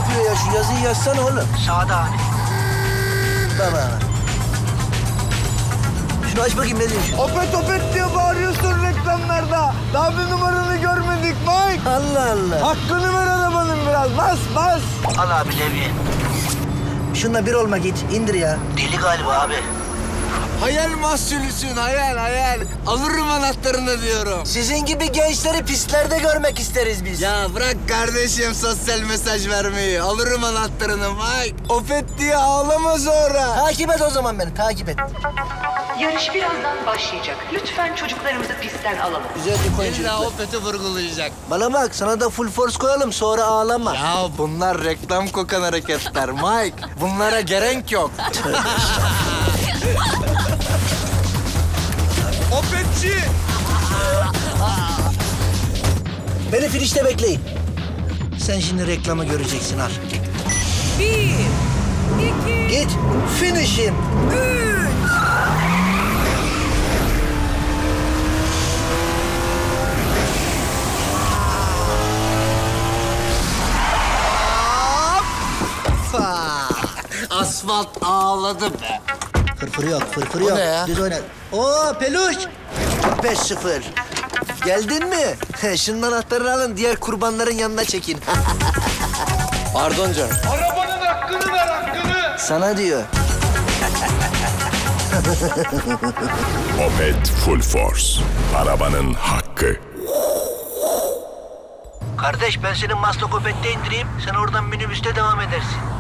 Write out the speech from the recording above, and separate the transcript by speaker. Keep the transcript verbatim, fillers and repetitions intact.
Speaker 1: yapıyor ya? Şu yazıyı yazsana oğlum.
Speaker 2: Sağda abi.
Speaker 1: Baba. Şunu aç bakayım ne diyor?
Speaker 3: Opet opet diye bağırıyorsun reklamlarda. Daha bir numaranı görmedik Mike.
Speaker 1: Allah Allah.
Speaker 3: Hakkını ver arabanın biraz. Bas bas.
Speaker 2: Al abi levye.
Speaker 1: Şunla bir olma git. İndir ya.
Speaker 2: Deli galiba abi.
Speaker 3: Hayal mahsulüsün hayal hayal. Alırım anahtarını diyorum.
Speaker 1: Sizin gibi gençleri pistlerde görmek isteriz biz.
Speaker 3: Ya bırak kardeşim sosyal mesaj vermeyi. Alırım anahtarını Mike. Opet diye ağlama sonra.
Speaker 1: Takip et o zaman beni, takip et.
Speaker 4: Yarış birazdan başlayacak. Lütfen çocuklarımızı pistten alalım.
Speaker 1: Güzel bir koyun
Speaker 3: İlla
Speaker 1: çocuklar.
Speaker 3: Opet'i vurgulayacak.
Speaker 1: Bana bak, sana da full force koyalım, sonra ağlama.
Speaker 3: Ya bunlar reklam kokan hareketler Mike. Bunlara gerek yok. Opetçi!
Speaker 1: Beni finişte bekleyin. Sen şimdi reklamı göreceksin, al.
Speaker 5: Bir, iki,
Speaker 1: Git, finish'im.
Speaker 5: üç.
Speaker 3: Asfalt ağladı be.
Speaker 1: Fırfır yok, fırfır yok.
Speaker 3: ne ya?
Speaker 1: Düz oyna. Oo, peluş. beş sıfır. Geldin mi? Şunun anahtarını alın, diğer kurbanların yanına çekin.
Speaker 3: Pardon canım.
Speaker 6: Arabanın hakkını ver hakkını.
Speaker 1: Sana diyor.
Speaker 7: Opet Full Force. Arabanın hakkı.
Speaker 2: Kardeş ben senin Maslak Opet'te indireyim. Sen oradan minibüste devam edersin.